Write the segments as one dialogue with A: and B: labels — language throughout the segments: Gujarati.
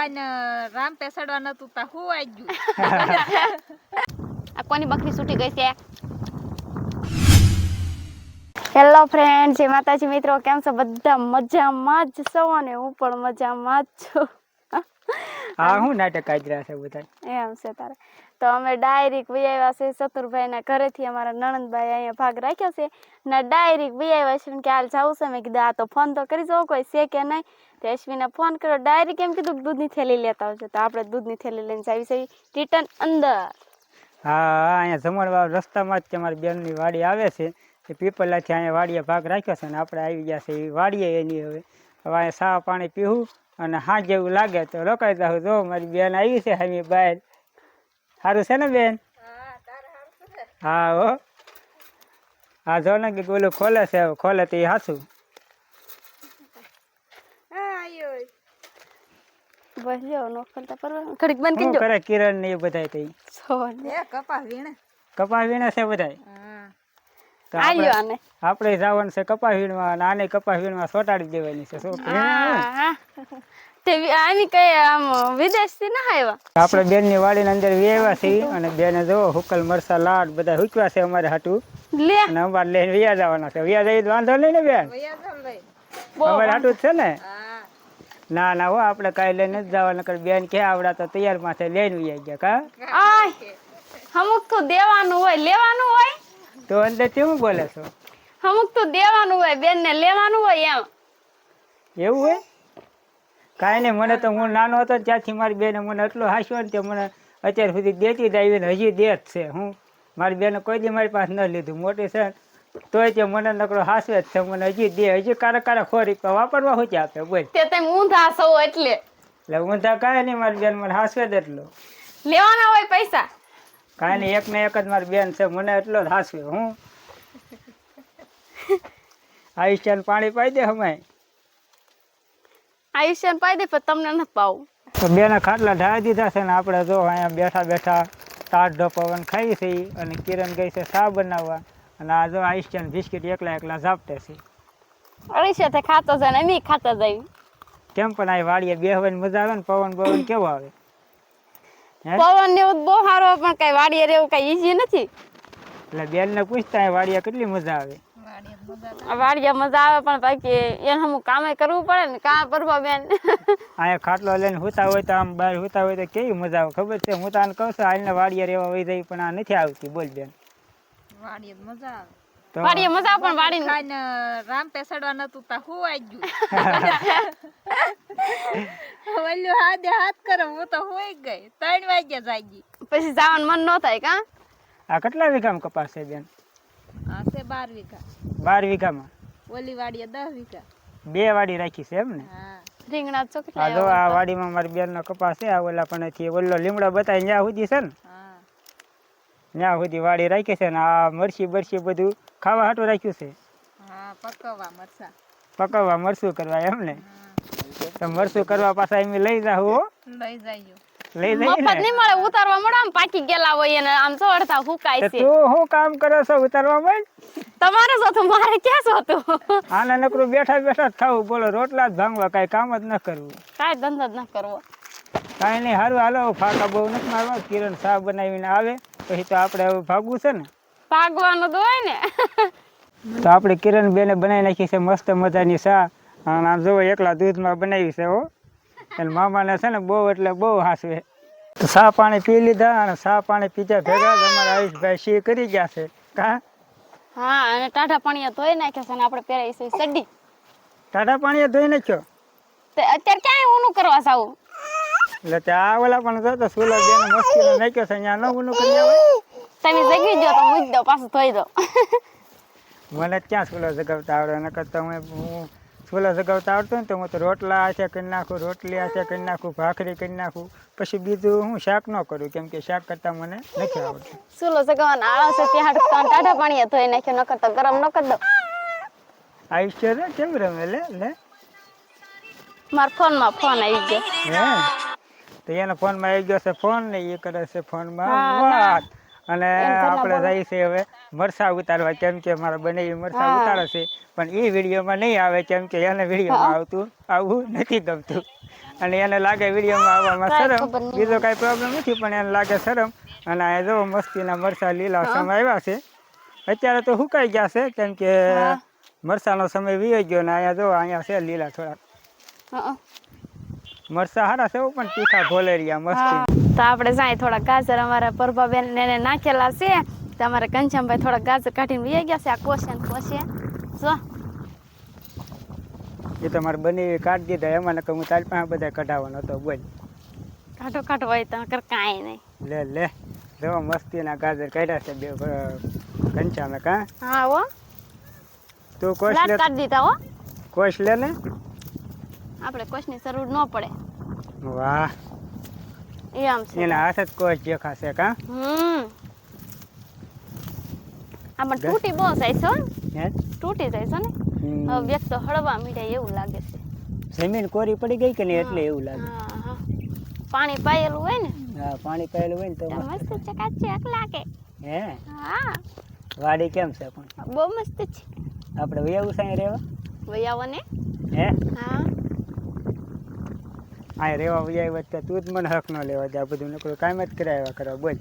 A: ખાઈને રામ પેસડવા નતું તા હું આવી ગયું.
B: આ કોની બકરી છૂટી ગઈ છે? હેલો ફ્રેન્ડ, જય માતાજી મિત્રો, કેમ છો બધા? મજામાં જ છો અને હું પણ મજામાં જ છું.
C: હા, હું નાટક કાઢી રહ્યા છે બધા.
B: એમ છે તારે. તો અમે ડાયરેક્ટ આવ્યા છે ચતુરભાઈના ઘરેથી. અમારા નણંદભાઈ અહીંયા ભાગ રાખ્યો છે ને ડાયરેક્ટ આવ્યા છે કે હાલ જવું છે. મેં કીધું આ તો ફોન તો કરી જવો કોઈ છે કે નહીં. તો અશ્વિને ફોન કર્યો, ડાયરેક્ટ એમ કીધું દૂધની થેલી લેતા આવજો. તો આપણે દૂધની થેલી લઈને જાવી છે રિટર્ન અંદર.
C: હા, અહીંયા જમણવાર રસ્તામાં જ તમારી બેનની વાડી આવે છે. એ પીપલાથી અહીંયા વાડીએ ભાગ રાખ્યો છે ને આપણે આવી ગયા છે એ વાડીએ એની. હવે અહીંયા સા પાણી પીવું અને હાથ જેવું લાગે તો રોકાઈ જાઉં. જો મારી બેન આવી છે હામી બહાર. સારું છે ને બેન? હા હો. હા જો ને કે ઓલું ખોલે છે, ખોલે તો એ હાથું.
B: બસ જો નો કરતા પરવા ઘડીક બંધ કરી
C: શું
B: જો.
C: કરે કિરણ ને એ બધા તો
B: સોન
A: એ કપા વીણે.
C: કપા વીણે છે બધા.
A: હા.
C: તો
B: આલ્યો આને.
C: આપણે જવાનું છે કપા વીણવા અને આને કપા વીણવા સોટાડી દેવાની છે. શું
B: હા તે આની કઈ આમ વિદેશથી ના આવ્યા.
C: આપણે બેન ની વાડી ની અંદર વ્યાવ્યા છીએ અને બેને જો હુકલ મરસા લાડ બધા હુકવા છે અમારે હાટું
B: લે
C: અને અમારે લઈને વ્યા જવાના છે. વ્યા જઈએ તો વાંધો નહીં ને બેન?
A: વયા જાવ લઈ.
C: અમારે હાટું જ છે ને?
A: હા.
C: ના ના હો, આપણે કાંઈ લઈને જ જવાના. કર બેન કે આવડા તો તૈયાર માથે લઈને વ્યા ગયા કા.
B: આય અમુક તો દેવાનું હોય લેવાનું હોય.
C: તો અંદર કેવું બોલે છો?
B: અમુક તો દેવાનું હોય બેન ને લેવાનું હોય એમ.
C: એવું હોય? કાંઈ નહીં, મને તો હું નાનો હતો ને ત્યાંથી મારી બેને મને એટલો હાસ્યો ને તે મને અત્યાર સુધી દેતી જ આવી ને હજી દે જ છે. હું મારી બેને કોઈ દી મારી પાસે ન લીધું, મોટી છે તોય તે મને નકરો હાસવે જ છે. મને હજી દે, હજી કારક ખોરી વાપરવા શું આપે બોલ.
B: તે તમે ઊંધા છો એટલે
C: ઊંધા કાંઈ નહીં, મારી બેન મને હાસવે જ એટલો.
B: લેવાના હોય પૈસા.
C: કાંઈ નહીં, એક ને એક જ મારી બેન છે, મને એટલો જ હાસવે. હું આયુષ્યાને પાણી પાઈ દે હમાય.
B: આયુષ્યન પાઈ દે પણ તમને નથી પાવું.
C: તો બેના ખાટલા ઢાળી દીધા છે ને આપણે જો અહીંયા બેઠા બેઠા ટાઢો પવન ખાઈ છે. અને કિરણ ગઈ છે ચા બનાવવા અને આ જો આયુષ્યાન બિસ્કિટ એકલા એકલા ઝાપટે છે.
B: અરીસે તે ખાતો જાય ને અમે ખાતા જાય.
C: કેમ પણ આ વાડીએ બેહવાની મજા આવે ને? પવન બવન કેવો આવે? હે?
B: પવન ને એવું બહુ સારો પણ કઈ વાડીએ રહેવું કઈ ઈઝી નથી.
C: એટલે બેન ને પૂછતા વાડીએ કેટલી મજા આવે.
B: વાડીએ મજા આવે પણ બાકી એને અમુક કામે કરવું પડે ને. કામ કરવા બેન
C: અહીંયા ખાટલો લઈને હુતા હોય તો આમ બહાર હુતા હોય તો કેવી મજા આવે ખબર છે? હું તાને કહું છું હાલને વાડીએ રહેવા વહી જાય પણ આ નથી આવતી. બોલ બેન.
A: વાડીએ મજા આવે.
C: તો
B: વાડીએ મજા આવે પણ વાડી
A: ખાઈને રામ પેસડવા નતું તા હું આવી ગયું. ઓલ્યો હાથે હાથ કરે હું તો હોઈ ગઈ. 3 વાગ્યા જાગી.
B: પછી જવાનું મન ન થાય કા.
C: આ કેટલા વીઘામાં કપાસ છે બેન?
A: આ છે 12 વીઘા.
C: 12 વીઘામાં?
A: ઓલી વાડીએ 10 વીઘા.
C: 2 વાડી રાખી છે એમ ને?
A: હા.
B: રીંગણા તો
C: આ
B: કેટલા
C: જો આ વાડીમાં મારી બેન નો કપાસ છે. આ ઓલા પણ ઓલો લીમડો બતાવી ત્યાં સુધી છે ને,
A: હા.
C: ત્યાં સુધી વાડી રાખી છે ને આ મરસી બરસી બધું ખાવા હાટું રાખ્યું છે.
A: હા, પકવવા મરસા.
C: પકવવા મરસું કરવા એમ ને? તો મરસું કરવા પાછા એમ લઈ જાવ હો.
A: લઈ જાયો.
C: લઈ જઈએ
B: મફત
C: ને.
B: નહીં મળે, ઉતારવા મળે. આમ પાકી ગયેલા હોય અને આમ ચોડતા હુકાય
C: તો
B: છે.
C: તું શું કામ કરો છો ઉતારવા માંડ?
B: તમારે જોતું મારે ક્યાં જોતું.
C: આને નકરું બેઠા બેઠા જ ખાવું. બોલો, રોટલા જ ભાંગવા, કાંઈ કામ જ ન કરવું.
B: કાંઈ ધંધો જ ન કરવો.
C: કાંઈ નહીં, સારું હાલો. ફાકા બહુ નથી મારવા. કિરણ ચા બનાવીને આવે પછી તો આપણે હવે ભાગવું છે ને.
B: ભાગવાનું તો હોય ને.
C: તો આપણે કિરણ બેને બનાવી નાખી છે મસ્ત મજાની ચા. અને આમ જોવો એકલા દૂધમાં બનાવી છે હો. એટલે મામાને છે ને બહુ એટલે બહુ હાસવે. તો ચા પાણી પી લીધા અને ચા પાણી પીધા ભેગા જ અમારા આયુષભાઈ સી કરી ગયા છે કા.
B: હા, અને ટાઢા પાણીએ ધોઈ નાખ્યા છે અને આપણે પહેરાઈ છે સડી.
C: ટાટા પાણીએ ધોઈ નાખ્યો?
B: તે અત્યારે ક્યાંય ઊનું કરવા જાવું?
C: એટલે ત્યાં ઓલા પણ જોતો સુલો બેને મસ્તીનો નાખ્યો છે. અહીંયા ન ઊનું કરી આવે.
B: તમે જગી દો તો મૂકી દો, પાછું ધોઈ દો.
C: મને ક્યાં સુલો જગાવતા આવડે? નકર તો હું સુલો જગાવતા આવડતો ને તો હું તો રોટલા આછે કરી નાખું, રોટલી આછે કરી નાખું, ભાખરી કરી નાખું. પછી બીજું હું શાક ન કરું કેમ કે શાક કરતા મને નથી આવડતું.
B: સુલો સગાવાનો આળસ છે ત્યાં ટાઢા પાણીએ ધોઈ નાખ્યો. નકર તો ગરમ ન કરી દો.
C: આયુષ્ય રે કેમ રમે? લે લે
B: મારા ફોનમાં ફોન આવી ગયો.
C: હે તો એના ફોનમાં આવી ગયો છે ફોન ને એ કરે છે ફોનમાં
B: હા,
C: વાત. અને
B: ઘરના
C: આપણે
B: બોલો.
C: જઈએ છીએ હવે મરસા ઉતારવા, કેમ કે મારા બને મરસા
B: હા.
C: ઉતારે છે, પણ એ વિડીયોમાં નહીં આવે કેમ કે એને વિડીયોમાં આવવું નથી ગમતું, અને એને લાગે વિડીયોમાં આવવામાં
B: કાંઈ
C: શરમ.
B: ખબર નહીં
C: બીજો
B: મને.
C: કાંઈ પ્રોબ્લેમ નથી, પણ એને લાગે શરમ. અને આ જો મસ્તીના મરસા લીલા
B: હા.
C: સમય આવ્યા છે. અત્યારે તો સુકાઈ ગયા છે કેમ કે
B: હા.
C: મરસાનો સમય વીયો ગયો ને અહીંયા જો અહીંયા છે લીલા થોડા
B: હા.
C: મરસા સારા છે પણ તીખા ભોલેરિયા
B: હા.
C: મસ્તી.
B: તો આપણે જાય થોડા ગાજર અમારા પરભાબેન ને નાખેલા છે. તો અમારા ઘનશ્યામભાઈ થોડા ગાજર કાઢીને વહી ગયા છે. આ કોશે ને કોશે જો
C: એ તો મારે બની કાઢી દીધા, એમાં નકર હું તારી પાસે બધા કઢાવવાનો હતો. બોલ
B: કાઢો કાઢો હોય તો કર કાંઈ નહીં.
C: લે લે જો મસ્તીના ગાજર કાઢ્યા છે બે ઘનશ્યામે. કાં
B: હા હો
C: તું કોશ
B: લાટ
C: લે,
B: કાઢી દીધા હો.
C: કોશ લે ને.
B: આપણે કોશની જરૂર ન પડે
C: વાહ,
B: એમ છે.
C: એના હાથ જ કોશ દેખાશે. કાં
B: આમાં તૂટી બહુ જાય છે હો.
C: હે
B: તૂટી જાય છે ને. હવે વ્યક્ત તો હળવા મીઠાઈ એવું લાગે છે.
C: જમીન કોરી પડી ગઈ કે નહીં એટલે એવું લાગે.
B: હા હા પાણી પાયેલું હોય ને
C: હા, પાણી પાયેલું હોય ને તો
B: તો
C: મસ્ત.
B: મસ્ત ચકાચક લાગે.
C: હે
B: હા
C: વાડી કેમ છે પણ?
B: બહુ મસ્ત છે.
C: આપણે વયાવું સાંઈ રહેવા?
B: વૈયાવો ને.
C: હે
B: હા
C: આ રહેવા વયા વચ્ચે તું જ મને હક ન લેવા દે. આ બધું નકરું કામ જ કરાવ્યા કરવા. બોલ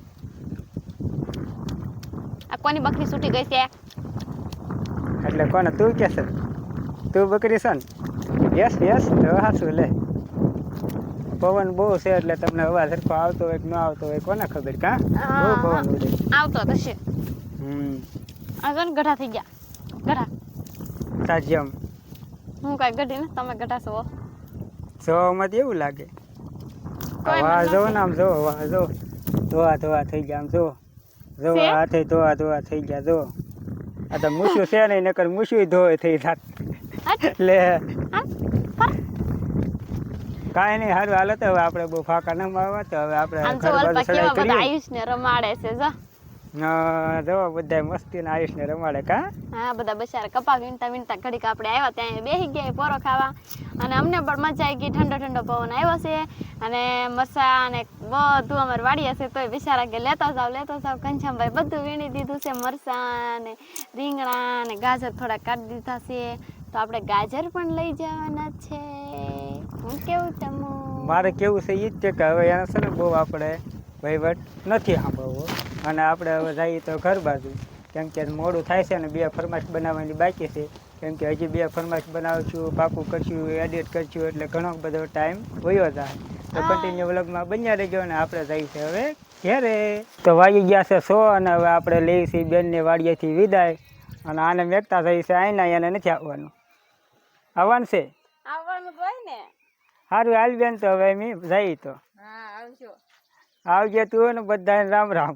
B: આ કોની બકરી છૂટી ગઈ છે?
C: એટલે કોને તું કે છે? તું બકરી છે ને? યસ યસ તો હાસું લે. પવન બહુ છે એટલે તમને અવાજ સરખો આવતો હોય કે ન આવતો હોય કોને ખબર. કાં બહુ પવન ઉડે.
B: આવતો થશે. આ જો ને ગઢા થઈ ગયા. ગઢા
C: સાજ્યમ
B: હું કાંઈ ગઢી ને તમે ગઢા છો.
C: જોવામાં એવું લાગે.
B: કોઈ
C: વાહ
B: મને
C: જો
B: નથી.
C: ને આમ જો, વાહ જો, ધોવા ધોવા થઈ ગયા. આમ જો જો
B: છે?
C: હાથે ધોવા ધોવા થઈ ગયા. જો આ તો મૂછું છે નહીં, નકર મૂછું ધોવે થઈ જાત.
B: હટ.
C: લે
B: હા પર.
C: કાંઈ નહીં, સારું હાલો. તો હવે આપણે બહુ ફાંકા ન મારવા. તો હવે આપણે
B: આમ
C: ઘર
B: જો
C: બાજુ
B: અલ્પા કેવા
C: ચડાઈ
B: બધા
C: કરીએ.
B: આયુષને રમાડે છે જો.
C: જો બધા મસ્તીના આયુષને રમાડે. કાં
B: હા બધા બચારા કપા વીણતા વીણતા ઘડીક આપણે આવ્યા ત્યાં બેસી ગયા પોરો ખાવા. અને અમને પણ મજા આવી ગઈ. ઠંડો ઠંડો પવન આવ્યો છે અને મરસા અને બધું અમારે વાડી હશે તોય બિચારા કે લેતા જાવ. ઘનશ્યામભાઈ બધું વીણી દીધું છે. મરસા ને રીંગણા ને ગાજર થોડા કાઢી દીધા છે. તો આપણે ગાજર પણ લઈ જવાના છે. હું કેવું તમું
C: મારે કેવું છે એ જ છે કે હવે એને છે ને બહુ આપણે વહીવટ નથી સાંભળવો. અને આપણે હવે જઈએ તો ઘર બાજુ, કેમ કે મોડું થાય છે ને 2 ફરમાઈશ બનાવવાની બાકી છે. કેમ કે હજી 2 ફરમાઈશ બનાવશું, પાકું કરશું, એડિટ કરશું, એટલે ઘણો બધો ટાઈમ વયો જાય. તો કન્ટિન્યુ વ્લોગમાં બન્યા રહેજો. અને આપણે જઈએ છીએ હવે ઘેરે. તો વાગી ગયા છે 100 અને હવે આપણે લઈએ છીએ બેનને વાડીએથી વિદાય. અને આને મેકતા જઈએ છે આઈના, એને નથી આવવાનું. આવવાનું છે?
A: આવવાનું હોય ને.
C: સારું હાલ બેન, તો હવે અમે જઈએ. તો
A: હા આવજો.
C: આવજે તું ને બધાને રામ રામ.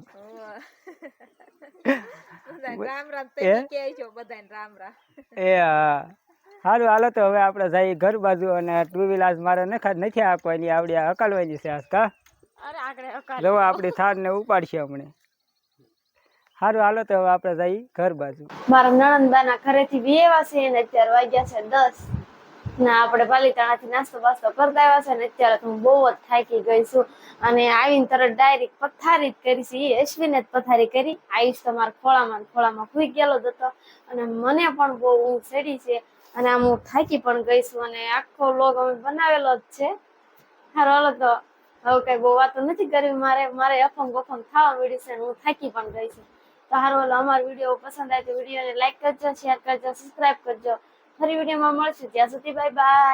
A: બધાને રામ રામ.
C: એ?
A: તમે કહેજો બધાને રામ રામ.
C: એ હા સારું હાલો. તો હવે આપણે જઈએ ઘર બાજુ. અને 2 વ્હીલ આજ મારે નથી આપવાની, આવડી હકાલવાની છે આજ. કા
B: અરે આગળ
C: જો આપણી થારને ઉપાડશે હમણે. સારું હાલો. તો હવે આપણે જઈએ ઘર બાજુ.
B: મારા નણંદબાના ઘરેથી વેવા છે ને અત્યારે વાગ્યા છે 10 ને આપણે પાલીતાણાથી નાસ્તો બાસ્તો કરતા આવ્યા છે ને અત્યારે તો હું બહુ જ થાકી ગઈ છું. અને આવીને તરત ડાયરેક્ટ પથારી જ કરી છે. એ અશ્વિને જ પથારી કરી. આયુષ તો મારા ખોળામાં ભૂઈ ગયેલો જ હતો. અને મને પણ બહુ ઊંઘ ચડી છે. અને આમ હું થાકી પણ ગઈ છું. અને આખો વ્લોગ અમે બનાવેલો જ છે. હારો હાલો તો હવે કઈ બહુ વાતો નથી કરવી. મારે અફંગ બફંગ થવા મળ્યું છે. હું થાકી પણ ગઈ છું. તો હારું હાલો, અમારો વિડીયો પસંદ આવે તો વિડીયોને લાઈક કરજો, શેર કરજો, સબસ્ક્રાઇબ કરજો. ફરી વિડીયોમાં મળશું. ત્યાં સુધી બાય બાય.